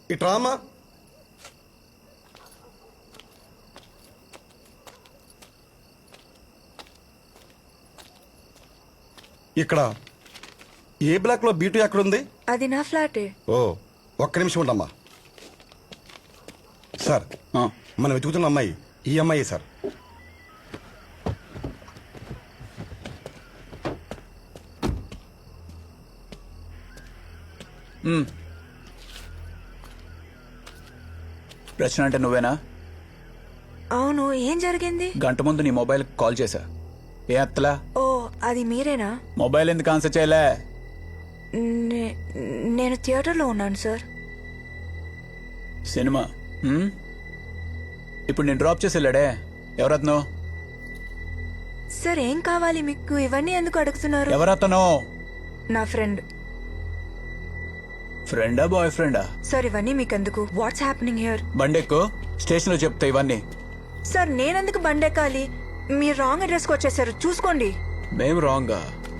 ఇట్రా అమ్మా. ఇక్కడ ఏ బ్లాక్ లో బీటు ఎక్కడుంది? అది నా ఫ్లాటే. ఓ, ఒక్క నిమిషం ఉండమ్మా. సార్, మనం వెతుకుతున్న అమ్మాయి ఈ అమ్మాయి సార్. రచన అంటే నువ్వేనా? అవును, ఏం జరిగింది? గంట ముందు నీ మొబైల్ కాల్ చేశా, ఏ అత్తలా? ఓ, అది మీరేనా? మొబైల్ ఎందుకు ఆన్సర్ చేయలే? నేను థియేటర్లో ఉన్నాను సార్. సినిమా ఇప్పుడు నేను డ్రాప్ చేసి వెళ్ళాడే, ఎవరతను? సార్, ఏం కావాలి మీకు? ఇవన్నీ ఎందుకు అడుగుతున్నారు? ఎవరతను? నా ఫ్రెండ్. ఫ్రెండా బాయ్ ఫ్రెండా? సార్, ఇవన్నీ మీకెందుకు? What's happening here? బండెక్కు, స్టేషన్ లో చెప్తా ఇవన్నీ. సార్, నేనెందుకు బండెక్కాలి? మీరు రాంగ్ అడ్రస్కి వచ్చేసారు, చూసుకోండి. మేం రాంగా?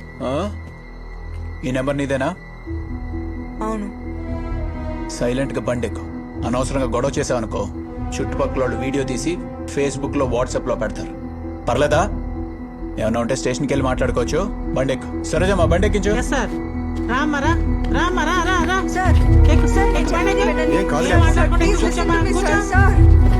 ఈ నెంబర్ నీదేనా? అవును. సైలెంట్ గా బండెక్కు. అనవసరంగా గొడవ చేసావనుకో, చుట్టుపక్కల వాళ్ళు వీడియో తీసి ఫేస్బుక్ లో వాట్సాప్ లో పెడతారు. పర్లేదా? ఏమన్నా ఉంటే స్టేషన్కి వెళ్ళి మాట్లాడుకోవచ్చు. బండెక్కు. సరేజమ్మా, బండెక్కించు. సార్, ఏం కాదులే. Sir, please listen to me sir. Sir,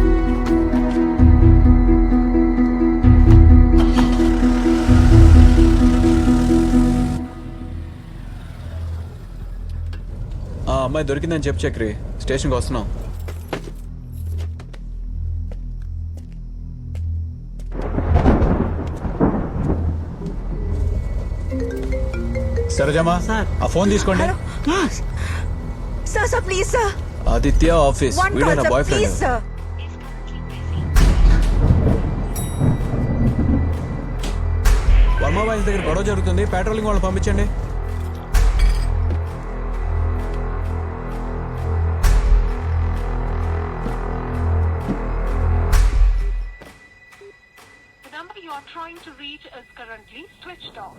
ఆ అమ్మాయి దొరికిందని చెప్పు చక్రి, స్టేషన్కి వస్తున్నాం. సరేజమ్మా, ఆ ఫోన్ తీసుకోండి. Hello. Sir, sir, please sir. Aditya office, వన్ వీడే కాల్ నా sir, boy please friend. Sir. Varma boys దగ్గర గొడవ జరుగుతుంది, పెట్రోలింగ్ వాళ్ళని పంపించండి. The number you are trying to reach is currently switched off.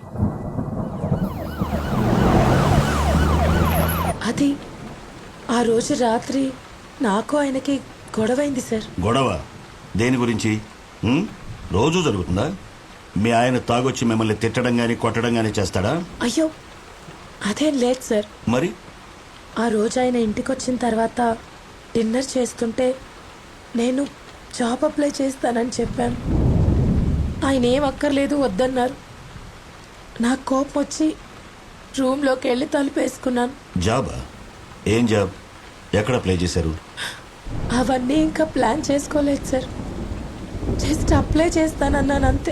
అది ఆ రోజు రాత్రి నాకు ఆయనకి గొడవైంది సార్. గొడవ దేని గురించి? రోజు జరుగుతుందా? మీ ఆయన తాగొచ్చి మిమ్మల్ని తిట్టడం గానీ కొట్టడం గానీ చేస్తాడా? అయ్యో, అదేం లేదు సార్. మరి ఆ రోజు ఆయన ఇంటికి వచ్చిన తర్వాత డిన్నర్ చేస్తుంటే నేను జాబ్ అప్లై చేస్తానని చెప్పాను. ఆయన ఏం అక్కర్లేదు వద్దన్నారు. నాకు కోపం వచ్చి రూమ్లోకి వెళ్ళి తలుపేసుకున్నాను. జాబా? ఏం జాబ్? ఎక్కడ అప్లై చేశారు? అవన్నీ ఇంకా ప్లాన్ చేసుకోలేదు సార్. జస్ట్ అప్లై చేస్తానన్నాను అంతే.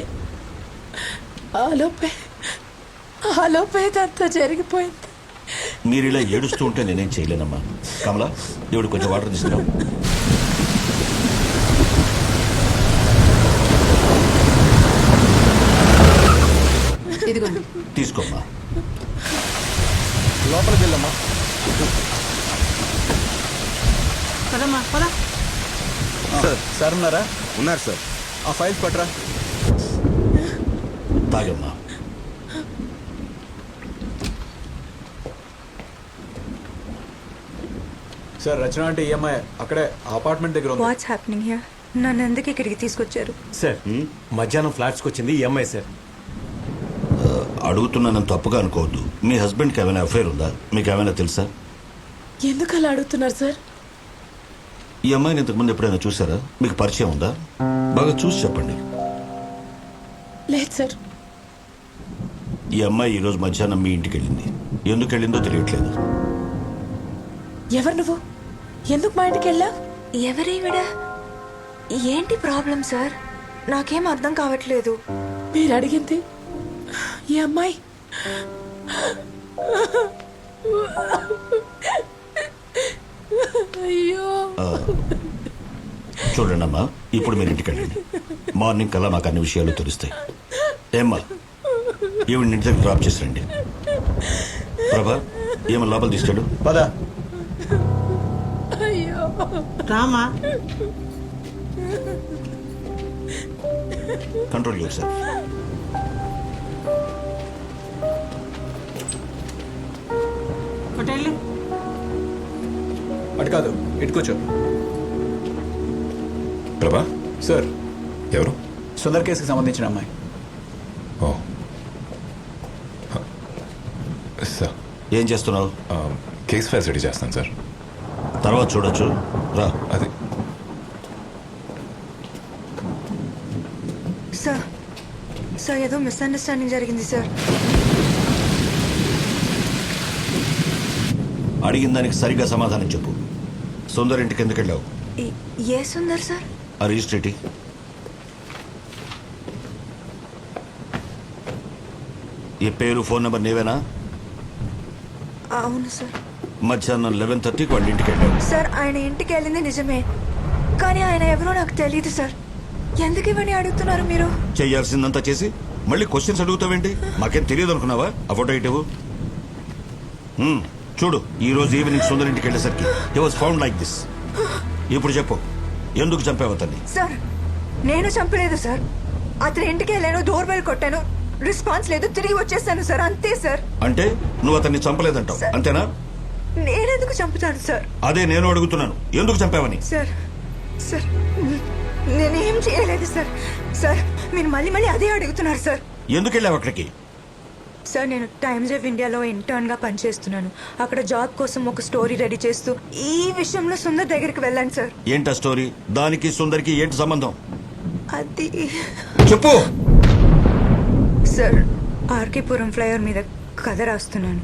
ఆలోపే ఇదంతా జరిగిపోయింది. మీరు ఇలా ఏడుస్తూ ఉంటే నేనేం చేయలేనమ్మా. కమలా, దేవుడు కొంచెం వాటర్ తీసుకురా. తీసుకోమ్మా. లోపలికి వెళ్ళమ్మా. సార్ ఉన్నారా? ఉన్నారు సార్. ఆ ఫైల్స్ పట్టరా. తాగమ్మా. సార్, రచన అంటే ఈఎంఐ అక్కడే అపార్ట్మెంట్ దగ్గర ఉంది. What's happening here? నన్ను ఎందుకు ఇక్కడికి తీసుకొచ్చారు? సార్, మధ్యాహ్నం ఫ్లాట్స్కి వచ్చింది ఈ అమ్మాయి సార్. అడుగుతున్నానని తప్పుగా అనుకోవద్దు. మీ హస్బెండ్కి ఏమైనా అఫైర్ ఉందా? మీకు ఏమైనా తెలుసా? ఎందుకు అలా అడుగుతున్నారు సార్? ఈ అమ్మాయిని ఇంతకుముందు ఎప్పుడైనా చూసారా? మీకు పరిచయం ఉందా? బాగా చూసి చెప్పండి. లేదు సార్. ఈ అమ్మాయి ఈరోజు మధ్యాహ్నం మీ ఇంటికి వెళ్ళింది. ఎందుకు వెళ్ళిందో తెలియట్లేదు. ఎవరు నువ్వు? ఎందుకు మా ఇంటికి వెళ్ళా? ఎవరేవిడ? ఏంటి ప్రాబ్లం సార్? నాకేం అర్థం కావట్లేదు. మీరు అడిగింది ఈ అమ్మాయి. అయ్యో, చూడండి అమ్మా, ఇప్పుడు మీరు ఇంటికి వెళ్ళండి. మార్నింగ్ కల్లా మాకు అన్ని విషయాలు తెలుస్తాయి. ఏమ్మా, ఈవిడ ఇంటి దగ్గర డ్రాప్ చేసి రండి. ప్రభా, ఏమో లోపల తీసుకెళ్ళు. పదా. అయ్యో, Rama. Control yourself. Hotel అటు కాదు, ఇటు కూర్చో. ప్రభా సార్, ఎవరు? సుందర్ కేసుకి సంబంధించిన అమ్మాయి. ఓ సార్, ఏం చేస్తున్నావు? కేస్ ఫైల్స్ రెడీ చేస్తాను సార్. తర్వాత చూడొచ్చు, రా. అది సార్ సార్ ఏదో మిస్అండర్స్టాండింగ్ జరిగింది సార్. అడిగిన దానికి సరిగ్గా సమాధానం చెప్పు. సుందర్ ఇంటికి ఎందుకు వెళ్ళావు? ఏ సుందర్ సార్? ఆ రిజిస్ట్రేటి ఈ పేరు ఫోన్ నెంబర్ నీవేనా? అవును సార్. మధ్యాహ్నం 11:30కి వాళ్ళ ఇంటికి వెళ్ళావు. సార్ ఆయన ఇంటికి వెళ్ళింది నిజమే, కానీ ఆయన ఎవరో నాకు తెలియదు సార్. ఎందుకు ఇవన్నీ అడుగుతున్నారు మీరు? చెయ్యాల్సిందంతా చేసి మళ్ళీ క్వశ్చన్స్ అడుగుతావేంటి? మాకేం తెలియదు అనుకున్నావా? ఆ ఫోటో ఇటు చూడు. ఈ రోజు ఈవినింగ్ సుందర్ ఇంటికి వెళ్ళేసరికి he was found like this. ఇప్పుడు చెప్పు, ఎందుకు చంపావు అతన్ని? సార్ నేను చంపలేదు సార్. అతని ఇంటికి వెళ్ళాను, డోర్ బెల్ కొట్టాను, రెస్పాన్స్ లేదు, తిరిగి వచ్చేసాను సార్, అంతే సార్. అంటే నువ్వు అతన్ని చంపలేదంటావు, అంతేనా? నేనెందుకు చంపుతాను సార్? అదే నేను అడుగుతున్నాను, ఎందుకు చంపావని. సార్ సార్ నేనేం చేయలేదు సార్. సార్ మీరు మళ్ళీ మళ్ళీ అదే అడుగుతున్నారు సార్. ఎందుకు వెళ్ళావు అక్కడికి? సార్ నేను టైమ్స్ ఆఫ్ ఇండియాలో ఇంటర్న్ గా పనిచేస్తున్నాను. అక్కడ జాబ్ కోసం ఒక స్టోరీ రెడీ చేస్తూ ఈ విషయంలో సుందర్ దగ్గరికి వెళ్ళాను సార్. ఏంటా స్టోరీ? దానికి సుందర్కి ఏంటి సంబంధం? అది చెప్పు. సార్ ఆర్కేపురం ఫ్లైఓవర్ మీద కథ రాస్తున్నాను.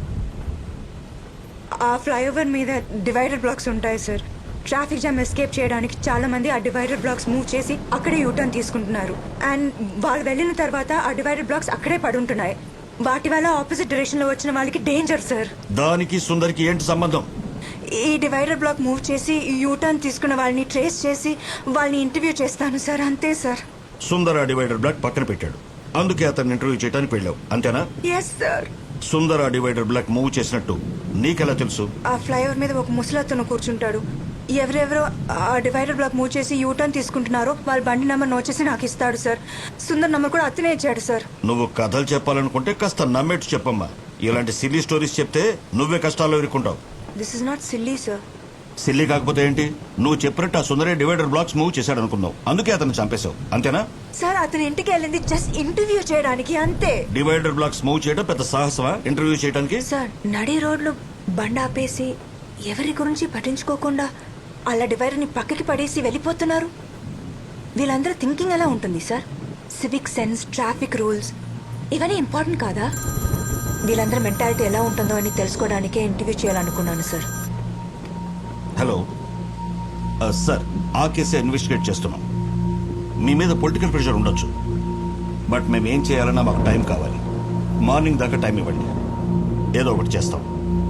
ఆ ఫ్లైఓవర్ మీద డివైడర్ బ్లాక్స్ ఉంటాయి సార్. ట్రాఫిక్ జామ్ ఎస్కేప్ చేయడానికి చాలా మంది ఆ డివైడర్ బ్లాక్స్ మూవ్ చేసి అక్కడే యూటర్న్ తీసుకుంటున్నారు. అండ్ వాళ్ళు వెళ్ళిన తర్వాత ఆ డివైడర్ బ్లాక్స్ అక్కడే పడుంటున్నాయి. వాటి వల్ల ఆపోజిట్ డైరెక్షన్ లో వచ్చిన వాళ్ళకి డేంజర్ సార్. దానికి సుందర్కి ఏంటి సంబంధం? ఈ డివైడర్ బ్లాక్ మూవ్ చేసి యూటర్న్ తీసుకున్న వాళ్ళని ట్రేస్ చేసి వాళ్ళని ఇంటర్వ్యూ చేస్తాను సార్, అంతే సార్. సుందర్ ఆ డివైడర్ బ్లాక్ పక్కన పెట్టాడు, అందుకే అతన్ని ఇంటర్వ్యూ చేయడానికి వెళ్ళావు, అంతేనా? Yes sir. సుందర్ ఆ డివైడర్ బ్లాక్ మూవ్ చేసినట్టు నీకెలా తెలుసు? ఆ ఫ్లైఓవర్ మీద ఒక ముసలతను కూర్చుంటాడు. ఎవరెవరో ఆ డివైడర్ బ్లాక్ మూవ్ చేసి యూటర్న్ తీసుకుంటున్నారో వాళ్ళ బండి నెంబర్ నోట్ చేసి నాకు ఇస్తాడు సార్. సుందర్ నెంబర్ కూడా అతనే ఇచ్చాడు సార్. నువ్వు కథలు చెప్పాలనుకుంటే కాస్త నమ్మేట్టు చెప్పమ్మా. ఇలాంటి సిల్లీ స్టోరీస్ చెప్తే నువ్వే కష్టాల్లో ఇరుక్కుంటావు. This is not silly sir. Silly కాకపోతే ఏంటి? నువ్వు చెప్పినట్టు ఆ సుందరే డివైడర్ బ్లాక్స్ మూవ్ చేశాడు అనుకున్నావు, అందుకే అతను చంపేశావు, అంతేనా? సార్ అతని ఇంటికి వెళ్ళింది జస్ట్ ఇంటర్వ్యూ చేయడానికి, అంతే. డివైడర్ బ్లాక్స్ మూవ్ చేయడం పెద్ద సాహసమా ఇంటర్వ్యూ చేయడానికి? సార్ నడి రోడ్లు బండి ఆపేసి ఎవరి గురించి పట్టించుకోకుండా అలా డివైడర్ని పక్కకి పడేసి వెళ్ళిపోతున్నారు. వీళ్ళందరూ థింకింగ్ ఎలా ఉంటుంది sir? Civic sense, traffic rules ఇవన్నీ ఇంపార్టెంట్ కాదా? వీళ్ళందరూ మెంటాలిటీ ఎలా ఉంటుందో అని తెలుసుకోవడానికే ఇంటర్వ్యూ చేయాలనుకున్నాను సార్. హలో సార్, ఆ కేసే ఇన్వెస్టిగేట్ చేస్తున్నాం. మీ మీద పొలిటికల్ ప్రెషర్ ఉండొచ్చు, బట్ మేము ఏం చేయాలన్నా మాకు టైం కావాలి. మార్నింగ్ దాకా టైం ఇవ్వండి, ఏదో ఒకటి చేస్తాం.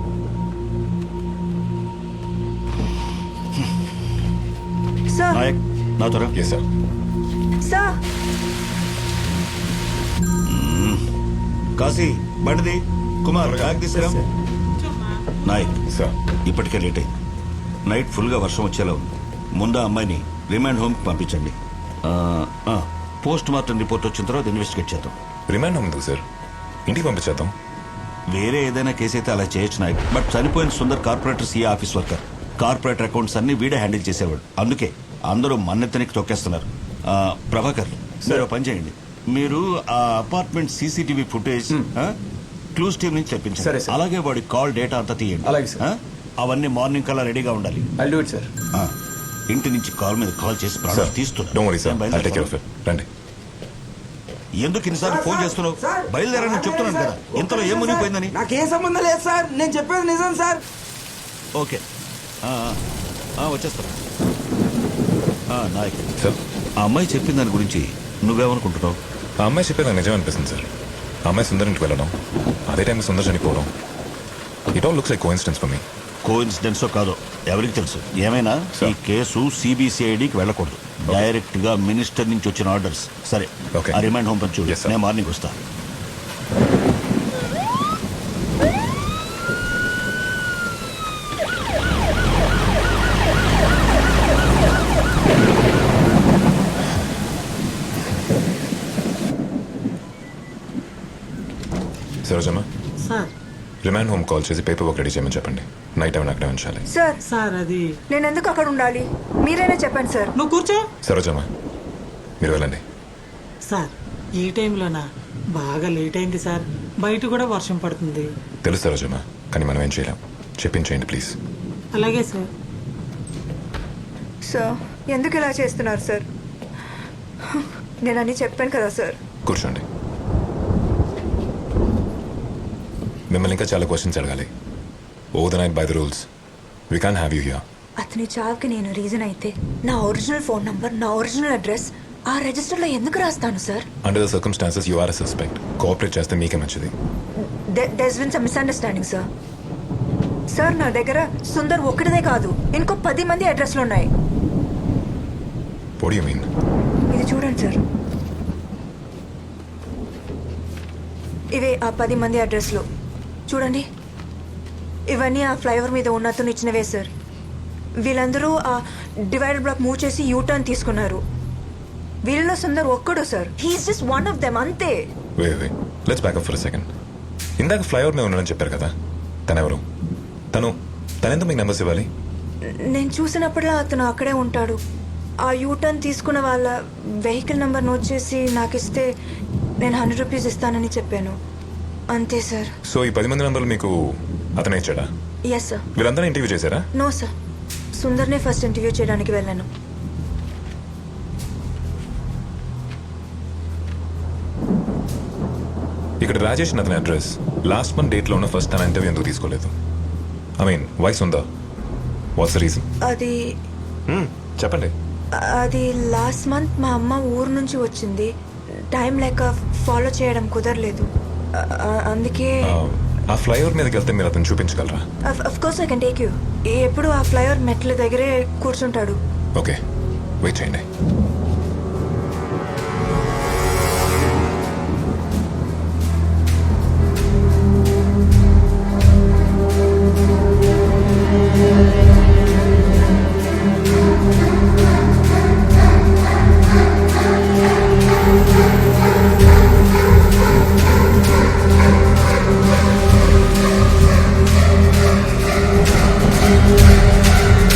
సార్ నాయక్, నా త్వర. Yes sir. సార్ కాశీ, బండిది. కుమార్, బ్యాగ్ తీసుకురా. నాయక్ సార్. ఇప్పటికే లేట్ అయింది. నైట్ ఫుల్గా వర్షం వచ్చేలా ఉంది. ముందు ఆ అమ్మాయిని రిమాండ్ హోమ్కి పంపించండి. పోస్ట్ మార్టం రిపోర్ట్ వచ్చిన తర్వాత ఇన్వెస్టిగేట్ చేద్దాం. రిమాండ్ హోమ్ ఎందుకు సార్? ఇంటికి పంపించేద్దాం. వేరే ఏదైనా కేసు అయితే అలా చేయొచ్చు నాయక్, బట్ చనిపోయిన Sundar corporator CA office worker. Corporator accounts అన్ని వీడే హ్యాండిల్ చేసేవాడు, అందుకే అందరూ మన్నెత్తనికి తొక్కేస్తున్నారు. ప్రభాకర్, మీరు పని చేయండి. మీరు ఆ apartment CCTV footage clues team నుంచి సరే, తెప్పించండి. సరే. అలాగే వాడి కాల్ డేటా అంతా తీయండి. అలాగే, సార్. అవన్నీ మార్నింగ్ కల్లా రెడీగా ఉండాలి. I'll do it sir. ఇంటి నుంచి కాల్ మీద కాల్ చేసి సార్, ప్రాణాలు తీస్తున్నా. డోంట్ వరీ సార్, నేను ఐల్ టేక్ కేర్ ఆఫ్ బయలుదేరుతాను. ఇట్. రండి. ఎందుకు ఇన్నిసార్లు ఫోన్ చేస్తున్నావు? బయలుదేరని చెప్తున్నాను కదా, ఇంతలో ఏం మునిగిపోయిందని. నాకేం సంబంధం లేదు సార్, నేను చెప్పేది నిజం సార్. ఓకే, వచ్చేస్తాను. నాయక్ సార్, ఆ అమ్మాయి చెప్పిన దాని గురించి నువ్వేమనుకుంటున్నావు? ఆ అమ్మాయి చెప్పేది నాకు నిజం అనిపిస్తుంది సార్. ఆ అమ్మాయి సుందర్ ఇంటికి వెళ్ళడం, అదే టైంలో సుందర్ చనిపోవడం, it all looks like coincidence for me. కోఇన్సిడెన్సో కాదో ఎవరికి తెలుసు. ఏమైనా ఈ కేసు సిబిసిఐడికి వెళ్ళకూడదు, డైరెక్ట్ గా మినిస్టర్ నుంచి వచ్చిన ఆర్డర్స్. సరే, Okay. ఆ రిమైండ్ హోమ్ పంచు. Yes, sir. నేను మార్నింగ్ వస్తా. Sarojamma, sir remand home call చేసి పేపర్ వర్క్ రెడీ చేయమని చెప్పండి. నైట్ టైం అక్కడే ఉంచాలి. సార్ సార్ అది నేను ఎందుకు అక్కడ ఉండాలి? మీరైనా చెప్పండి సార్. నువ్వు కూర్చో. సరోజమ్మ మీరు వెళ్ళండి. సార్ ఈ టైంలోనా? బాగా లేట్ అయింది సార్, బయట కూడా వర్షం పడుతుంది. తెలుసు సరోజమ్మ, కానీ మనం ఏం చేయలేం. చెప్పించేయండి ప్లీజ్. అలాగే సార్. సార్ ఎందుకు ఇలా చేస్తున్నారు సార్? నేను అన్నీ చెప్పాను కదా సార్. కూర్చోండి. మిమ్మల్ని ఇంకా చాలా క్వశ్చన్స్ అడగాలి. Over the night by the rules we can have you here. అతని చావుకి నేను రీజన్ అయితే నా ఒరిజినల్ ఫోన్ నంబర్, నా ఒరిజినల్ అడ్రస్ ఆ రిజిస్టర్లో ఎందుకు రాస్తాను sir? Under the circumstances you are a suspect. Cooperate చేస్తే మీకే మంచిది. There's been some misunderstanding sir. Sir నా దగ్గర సుందర్ ఒక్కడిదే కాదు, ఇంకో 10 మంది అడ్రస్లు ఉన్నాయి. What do you mean? ఇది చూడండి సార్, ఇవే ఆ 10 మంది అడ్రస్లు. చూడండి, ఇవన్నీ ఆ ఫ్లైఓవర్ మీద ఉన్న అతను ఇచ్చినవే సార్. వీళ్ళందరూ ఆ డివైడర్ బ్లాక్ మూవ్ చేసి యూటర్న్ తీసుకున్నారు. వీళ్ళలో సుందర్ ఒక్కడు sir. He is just one of them, అంతే. Wait let's back up for a second. ఇందాక ఫ్లైఓవర్ మీద ఉన్నాడని చెప్పారు కదా, తనెవరు? తనెందుకు మీకు నెంబర్స్ ఇవ్వాలి? నేను చూసినప్పుడల్లా అతను అక్కడే ఉంటాడు. ఆ యూటర్న్ తీసుకున్న వాళ్ళ వెహికల్ నెంబర్ నోట్ చేసి నాకు ఇస్తే నేను 100 రూపీస్ ఇస్తానని చెప్పాను, అంతే సార్. సో ఈ 10 మంది నెంబర్లు మీకు అతనే ఇచ్చాడా? Yes sir. వీళ్ళందరూ ఇంటర్వ్యూ చేశారా? నో సార్, సుందర్నే ఫస్ట్ ఇంటర్వ్యూ చేయడానికి వెళ్ళాను. ఇక్కడ రాజేష్ అతని అడ్రస్ లాస్ట్ మంత్ డేట్లో ఉన్న ఫస్ట్ తన ఇంటర్వ్యూ ఎందుకు తీసుకోలేదు? ఐ మీన్ వైస్ ఉందా? What's the reason? అది చెప్పండి. అది లాస్ట్ మంత్ మా అమ్మ ఊరు నుంచి వచ్చింది. టైం లేక ఫాలో చేయడం కుదరలేదు, అందుకే. ఆ ఫ్లైఓవర్ మీదకి వెళ్తే మీరు అతను చూపించగలరా? Of course I can take you. ఎప్పుడు ఆ ఫ్లైఓవర్ మెట్ల దగ్గరే కూర్చుంటాడు. ఓకే, వెయిట్ చేయండి.